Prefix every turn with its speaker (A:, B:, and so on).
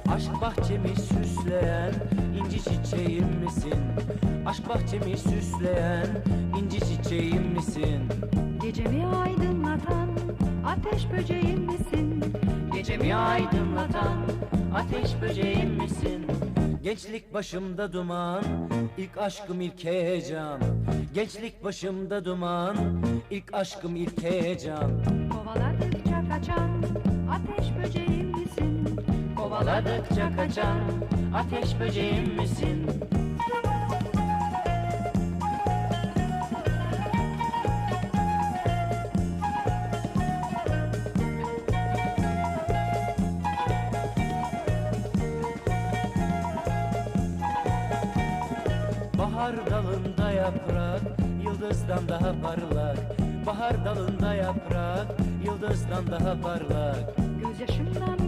A: Aşk bahçemi süsleyen inci çiçeğim misin? Aşk bahçemi süsleyen inci çiçeğim misin?
B: Gecemi aydınlatan ateş böceğim misin?
A: Gecemi aydınlatan ateş böceğim misin? Gençlik başımda duman, ilk aşkım ilk heyecan. Gençlik başımda duman, ilk aşkım ilk heyecan.
B: Kovaladıkça kaçan ateş böceğim misin?
A: Kovaladıkça kaçan ateş böceğim misin? Bahar dalında yaprak, yıldızdan daha parlak. Bahar dalında yaprak, yıldızdan daha parlak.
B: Gözyaşımdan